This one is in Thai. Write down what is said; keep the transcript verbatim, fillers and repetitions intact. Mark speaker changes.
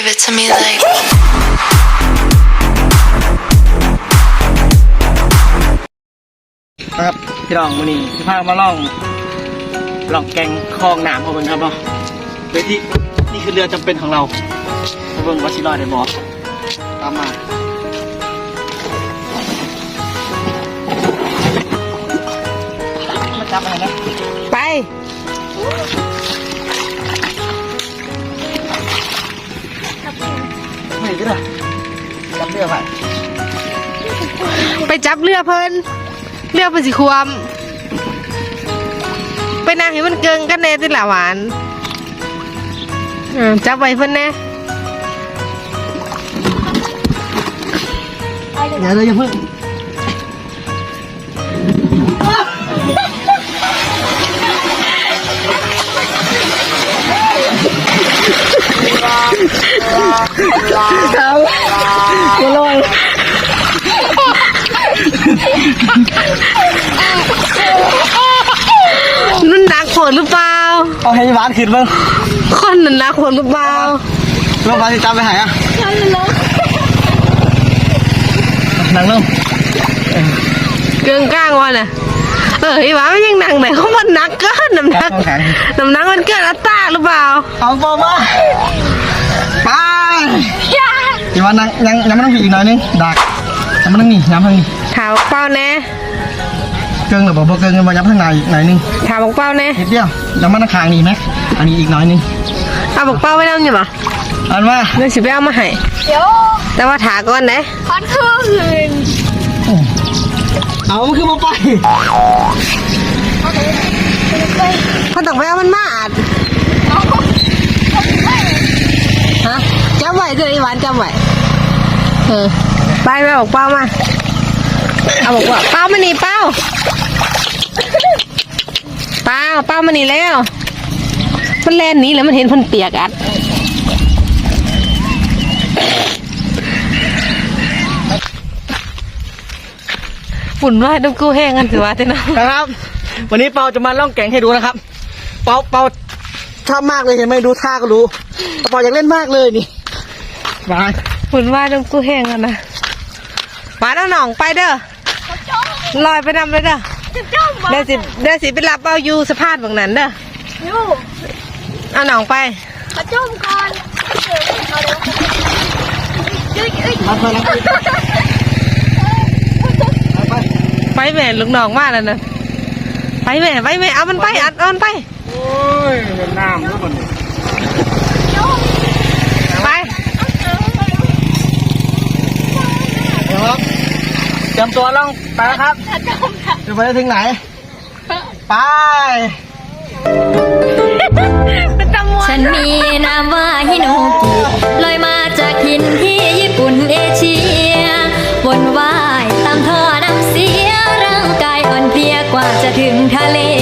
Speaker 1: Give it to me like
Speaker 2: ครับพี่น้องวันนี้จะพามาล่องล่องแกงคลองหนามของเบิ่งครับเนาะโดยที่นี่คือเรือจำเป็นของเราเบิ่งวัชิรอดได้บอกตามมามาจับอะไรนะ
Speaker 3: ไป
Speaker 2: ไม่ก็ได้จับเรือไป
Speaker 3: ไปจับเรือเพิ่นเรือเพิ่นสิควมไปนั่งให้มันเกิงกันแน่ติละหวานจับไว้เพิ่นแน่
Speaker 2: เดี๋ยวเราอย่าเพิ่งเขาจะลอย
Speaker 3: นั่นนักฝนหรือเปล่า
Speaker 2: เอาให้หวานขึ้นบ้าง
Speaker 3: คนนั่นนักฝนหรือเปล่า
Speaker 2: แล้วหวานจะจำไปไหนอ่ะนั่งลง
Speaker 3: เกิงก้างวะน่ะเออไอ้หวานมันยังนั่งไหนเขามันนักเกินน้ำหนักน้ำหนักมันเกินอัตราหรือเปล่า
Speaker 2: เอาปอมาไปอีวันนั่งยังยังไม่ต้องผีอีกหน่อยนึงดักยังไม่ต้องหนีย้ำทางนี้
Speaker 3: ถามเป้าแน่
Speaker 2: เกิงหรือเปล่าเกิงมาย้ำทางไหนอีกหน่อยนึง
Speaker 3: ถามเป้าแน่
Speaker 2: นิดเดียวยังไม่ต้องคางนี่ไหมอันนี้อีกหน่อยนึง
Speaker 3: เอาบอกเป้าไว้แล้วอยู่หรอ
Speaker 2: อันว่า
Speaker 3: เรื่องสิไปเอามาให้
Speaker 4: เดี๋ยว
Speaker 3: แต่ว่าถาก่อนนะ
Speaker 4: คอนคืน
Speaker 2: เอามันคือมาไป
Speaker 3: เขาต้องไปเอามันมาอัดฮะจำไว้เลยหวานจำไว้เออไปไปบอกเป้ามาเอาบอกว่าเป้ามานี่เป้าเป้าเป้ามานี่แล้วมันแล่นนี้แล้วมันเห็นพันเปียกอัดฝุ่นว่าต้องกู้แห้งกันสิวะเจ้าน้อง
Speaker 2: นะครับวันนี้เปาจะมาล่องแก่งให้ดูนะครับเปาเปาชอบมากเลยเห็นไหมดูท่าก็รู้เปาอยากเล่นมากเลยนี่มา
Speaker 3: ฝุ่นว่าต้องกู้แห้งกันนะมาเอาหนองไปเด้อลอยไปนำเลยเด้อเดี๋ยวสิเดี๋ยวสิไปรับเอาอยู่สะพานบางนั้นเด้อเอาหนองไป
Speaker 4: มาจุ่มก่อน
Speaker 2: มาไปแล้ว
Speaker 3: ไปแม่ลูกน้องมาแล้วนะไปแม่ไปแม่เอามันไปอัดเอามันไป
Speaker 2: โอ้ยเป็นน้ำทุกคน
Speaker 3: ไป
Speaker 2: เดี๋ยวครับเตรียมตัวล่องไปแล้วครับจะไปถึงไหนไป
Speaker 4: ฉันมีนามว่าฮิโนกิลอยมาจากถิ่นที่ญี่ปุ่นเอเชียวนว่ายตามท่อน้ำเสียร่างกายอ่อนเพลียกว่าจะถึงทะเล